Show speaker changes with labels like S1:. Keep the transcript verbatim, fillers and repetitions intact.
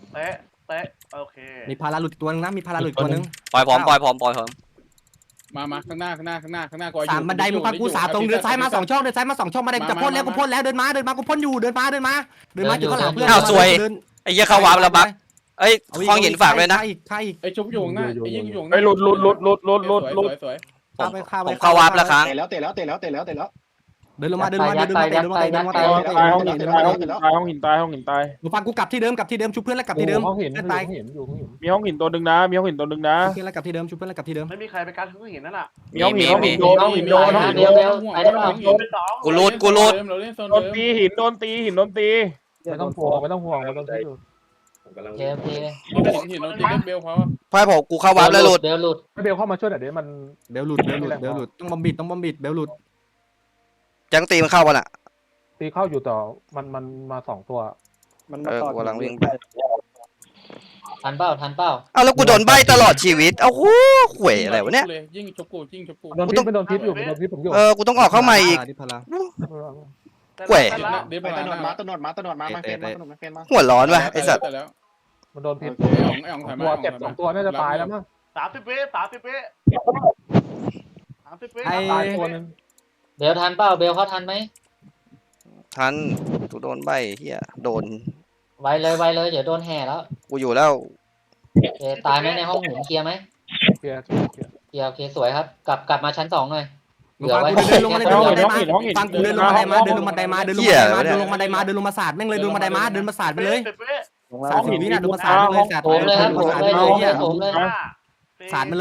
S1: เตะเตะโอเค
S2: มีพาราหลุดตัวนึงนะมีพาราหลุดตัวนึง
S3: ปล่อยผมปล่อยผมปล่อยผม
S4: มามาข้างหน้าข้างหน้าข้างหน้าข้างหน้ากู
S2: สามบันไดมึงฟังกูสามตรงเดินซ้ายมาสองช่องเดินซ้ายมาสองช่องบันไดจะพ่นแล้วกูพ่นแล้วเดินมาเดินมากูพ่นอยู่เดินมาเดินมาเดินมาอยู่ข้างหลังเพื่อน
S3: อ้าวสวยไอ้เหี้ยเข้าวาร์ปแล้วบักเอ้ยคลองหินฝากเลยนะ
S2: ใครอีกใครอีก
S4: ไอ้ชุบอยู่ข้างหน้าไอ้ยิงอยู่ข้างห
S5: ไอ้
S4: น้า
S5: หลุดหลุดหลุดหลุดหลุดหลุดหลุด
S4: สวยสวย
S2: เข้าไปเข้าไป
S3: ผมเข้าวาร์ปแล้วครั้ง
S6: เตะแล้วเตะแล้วเตะแล้วเตะแล้วเตะแล้ว
S2: เดินลงมาเดินลงมาเดินลงมาเดินลงมาเดินลงมาเดินลงมา
S5: ตายห้องหินตายห้องหินตายห้องหินตายห้องหินตาย
S2: มึงฟังกูกลับที่เดิมกลับที่เดิมชุบเพื่อนแล้วกลับที่เดิม
S7: ห้องหิน
S2: เพื่อน
S7: ตา
S2: ตาย ย
S7: เห็นอยู่ห้องหิน
S5: มีห้องหินตัวหนึ่งนะมีห้องหินตัวหนึ่งนะ
S2: ชุบเพื่อนแล้วกลับที่เดิมชุบเพื่อนแล้วกลับที่เดิม
S1: ไม่มีใครไปการทุกหินนั่นแหละ
S5: มีห้องหินห้องหินโดนห้องหินโดนห้องหิน
S8: เบลเบลไปได้เปล่า
S1: โดนไปสอง
S3: กูรูดกูรูด
S4: เราเล่นโซน
S5: โดน
S4: เดิม
S5: ตีหินโดนตีหินโดนตี
S7: ไม่ต้องห่วงไม่ต้องห่วงไม่ต้องที่อยู่
S8: โอเคโอเค
S4: หินเราตีเล่นเบลเขา
S3: พอยผมกูเข้าวาร์ปแล้วหลุด
S8: เบลหลุด
S7: ให้เบลเข้ามาช่วยหน่อยเดี๋ยวมัน
S2: เบลหลุดเบลหลุดเบลหลุดต้องบอมบิดต้องบอมบิดเบลหลุด
S3: จังตีมันเข้ากันอ่ะ
S7: ตีเข้าอยู่ต่อมันมันมาสองตัว
S6: มัน
S3: เออกูกำลังวิ่งไป
S8: ทันเป้าทันเป้า
S3: เอาแล้วกูโดนใบตลอดชีวิตเอ้าโหข่วยอะไรวะเนี่ย
S4: ยิ่งชกกูยิ่งชกกู
S7: โดนพิษไม่โดนพิษอยู่โดนพิษผมอยู่
S3: เออกูต้องออกเข้ามาอีก
S2: ดิพารา
S3: แกว่
S4: เดี๋ยว
S6: ไป
S4: ไป
S6: ตะน
S4: น
S6: ด
S4: ด
S6: มา
S4: มา
S6: ตะนดมาตะนดมามาเฟนมาตะนดมาเฟนมา
S3: หัวร้อนวะไอสัตว์
S4: แล้ว
S7: มันโดนพิษ
S4: ไอ้อ๋องไอ้อ๋องถ่ายมา
S7: ตัวเจ็บสองตัวน่าจะตายแล้วมั้ง
S1: สามสิบวิสามสิบวิสามสิบวิ
S7: ตายตัวนึง
S8: เบลทันเป้าเบลเขาทันไหม
S3: ทันกูโดนใบเฮียโดน
S8: ไวเลยไวเลยเดี๋ยวโดนแห่แล้ว
S3: กูอยู่แล้ว
S8: โอเคตายไหมในห้องหมุนเคลียร์ไหม
S7: เคลียร์เคลียร์
S8: เคลียร์โอเคสวยครับกลับกลับมาชั้นสองหน่อย
S2: มึงฟังกูเดินลงมาเดินลงมาได้มาฟังกูเดินลงมาได้มาเดินลงมาได้มาเดินลงมาได้มาเดินลงมาได้มาเดินลงมาศาสตร์แม่งเลยเดินมาได้มาเดินมาศาสตร์ไปเลย
S1: สิบวิ
S2: ศาสตร์สิบวินาเดินมาศาสตร์ไปเลยศาสตร์
S8: โถมเลยครับโถมเลยโถมเลยโถมเลย
S1: ห้า
S2: ศาสตร์มันเลย